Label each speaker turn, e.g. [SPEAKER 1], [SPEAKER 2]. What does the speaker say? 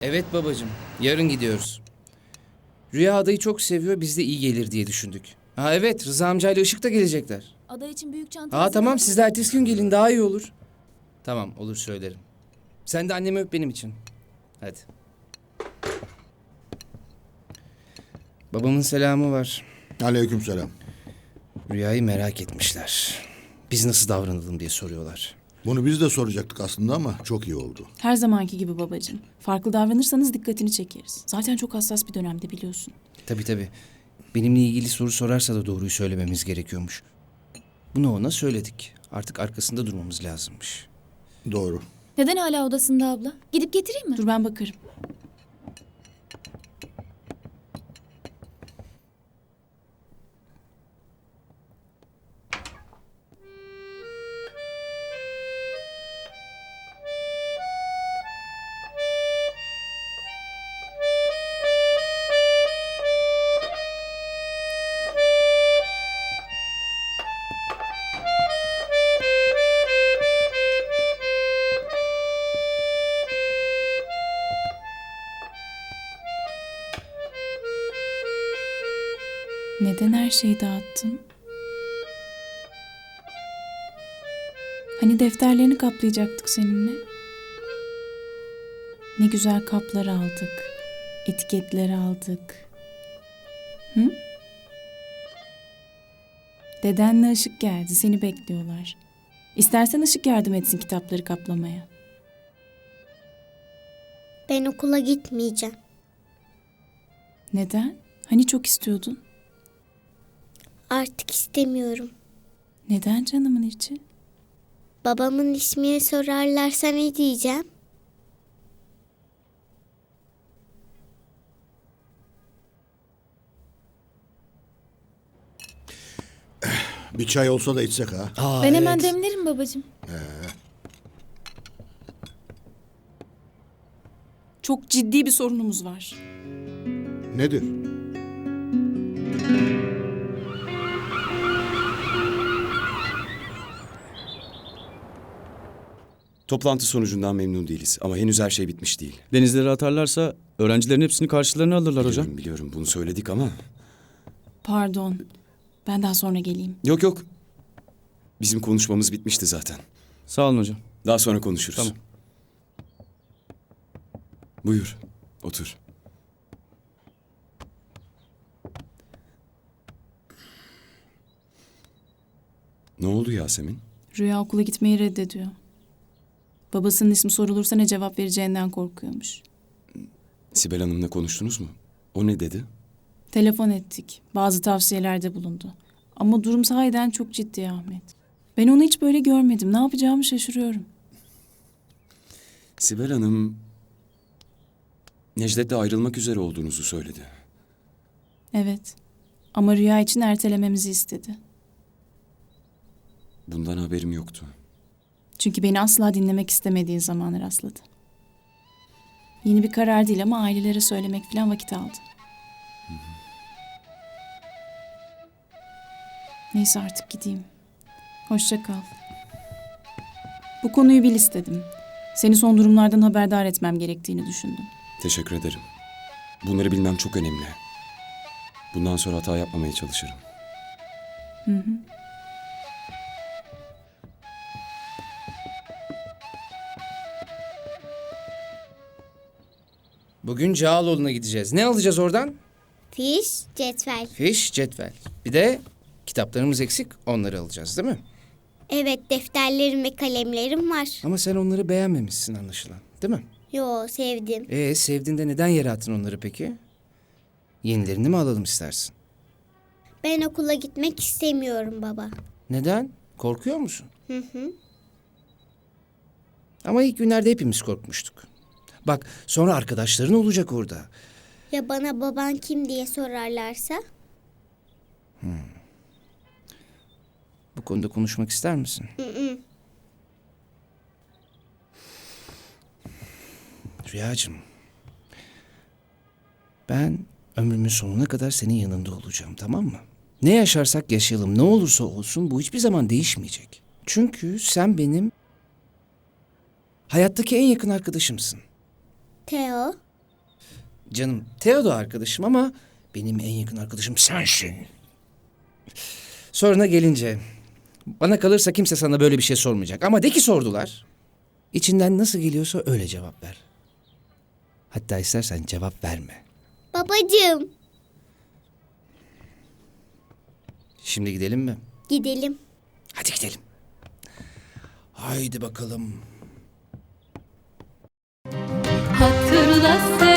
[SPEAKER 1] Evet babacığım, yarın gidiyoruz. Rüya adayı çok seviyor, biz de iyi gelir diye düşündük. Ha evet, Rıza amcayla Işık da gelecekler.
[SPEAKER 2] Ada için büyük çanta
[SPEAKER 1] Ha tamam,
[SPEAKER 2] hazırladın
[SPEAKER 1] siz
[SPEAKER 2] mı?
[SPEAKER 1] de ertesi gün gelin, daha iyi olur. Tamam, olur söylerim. Sen de annemi öp benim için. Hadi. Babamın selamı var.
[SPEAKER 3] Aleykümselam.
[SPEAKER 1] Rüyayı merak etmişler. Biz nasıl davranalım diye soruyorlar.
[SPEAKER 3] Bunu biz de soracaktık aslında ama çok iyi oldu.
[SPEAKER 4] Her zamanki gibi babacığım. Farklı davranırsanız dikkatini çekeriz. Zaten çok hassas bir dönemde biliyorsun.
[SPEAKER 1] Tabii. Benimle ilgili soru sorarsa da doğruyu söylememiz gerekiyormuş. Bunu ona söyledik. Artık arkasında durmamız lazımmış.
[SPEAKER 3] Doğru.
[SPEAKER 2] Neden hala odasında abla? Gidip getireyim mi?
[SPEAKER 4] Dur ben bakarım. Neden her şeyi dağıttın? Hani defterlerini kaplayacaktık seninle? Ne güzel kaplar aldık. Etiketler aldık. Hı? Dedenle Işık geldi. Seni bekliyorlar. İstersen Işık yardım etsin kitapları kaplamaya.
[SPEAKER 5] Ben okula gitmeyeceğim.
[SPEAKER 4] Neden? Hani çok istiyordun?
[SPEAKER 5] Artık istemiyorum.
[SPEAKER 4] Neden canımın içi?
[SPEAKER 5] Babamın ismini sorarlarsa ne diyeceğim?
[SPEAKER 3] Bir çay olsa da içsek ha.
[SPEAKER 2] Ben hemen demlerim babacığım.
[SPEAKER 4] Çok ciddi bir sorunumuz var.
[SPEAKER 3] Nedir?
[SPEAKER 6] Toplantı sonucundan memnun değiliz ama henüz her şey bitmiş değil.
[SPEAKER 7] Denizlere atarlarsa öğrencilerin hepsini karşılarına alırlar hocam.
[SPEAKER 6] Biliyorum bunu söyledik ama...
[SPEAKER 4] Pardon. Ben daha sonra geleyim.
[SPEAKER 6] Yok. Bizim konuşmamız bitmişti zaten.
[SPEAKER 7] Sağ olun hocam.
[SPEAKER 6] Daha sonra konuşuruz.
[SPEAKER 7] Tamam.
[SPEAKER 6] Buyur, otur. Ne oldu Yasemin?
[SPEAKER 4] Rüya okula gitmeyi reddediyor. Babasının ismi sorulursa ne cevap vereceğinden korkuyormuş.
[SPEAKER 6] Sibel Hanım'la konuştunuz mu? O ne dedi?
[SPEAKER 4] Telefon ettik. Bazı tavsiyelerde bulundu. Ama durum sahiden çok ciddi Ahmet. Ben onu hiç böyle görmedim. Ne yapacağımı şaşırıyorum.
[SPEAKER 6] Sibel Hanım... Necdet'le ayrılmak üzere olduğunuzu söyledi.
[SPEAKER 4] Evet. Ama Rüya için ertelememizi istedi.
[SPEAKER 6] Bundan haberim yoktu.
[SPEAKER 4] Çünkü beni asla dinlemek istemediği zamana rastladı. Yeni bir karar değil ama ailelere söylemek falan vakit aldı. Neyse artık gideyim. Hoşça kal. Bu konuyu bil istedim. Seni son durumlardan haberdar etmem gerektiğini düşündüm.
[SPEAKER 6] Teşekkür ederim. Bunları bilmem çok önemli. Bundan sonra hata yapmamaya çalışırım.
[SPEAKER 1] Bugün Cağaloğlu'na gideceğiz. Ne alacağız oradan?
[SPEAKER 5] Fiş, cetvel.
[SPEAKER 1] Fiş, cetvel. Bir de kitaplarımız eksik, onları alacağız değil mi?
[SPEAKER 5] Evet, defterlerim ve kalemlerim var.
[SPEAKER 1] Ama sen onları beğenmemişsin anlaşılan, değil mi?
[SPEAKER 5] Yo, sevdim.
[SPEAKER 1] Sevdiğinde neden yere attın onları peki? Yenilerini mi alalım istersin?
[SPEAKER 5] Ben okula gitmek istemiyorum baba.
[SPEAKER 1] Neden? Korkuyor musun? Hı. Ama ilk günlerde hepimiz korkmuştuk. Bak sonra arkadaşların olacak orada.
[SPEAKER 5] Ya bana baban kim diye sorarlarsa?
[SPEAKER 1] Bu konuda konuşmak ister misin? Rüyacığım. Ben ömrümün sonuna kadar senin yanında olacağım, tamam mı? Ne yaşarsak yaşayalım, ne olursa olsun bu hiçbir zaman değişmeyecek. Çünkü sen benim hayattaki en yakın arkadaşımsın.
[SPEAKER 5] Theo,
[SPEAKER 1] Canım, Theo da arkadaşım ama benim en yakın arkadaşım sensin. Soruna gelince, bana kalırsa kimse sana böyle bir şey sormayacak. Ama de ki sordular. İçinden nasıl geliyorsa öyle cevap ver. Hatta istersen cevap verme.
[SPEAKER 5] Babacığım.
[SPEAKER 1] Şimdi gidelim mi?
[SPEAKER 5] Gidelim.
[SPEAKER 1] Hadi gidelim. Haydi bakalım.
[SPEAKER 8] Hatırla sen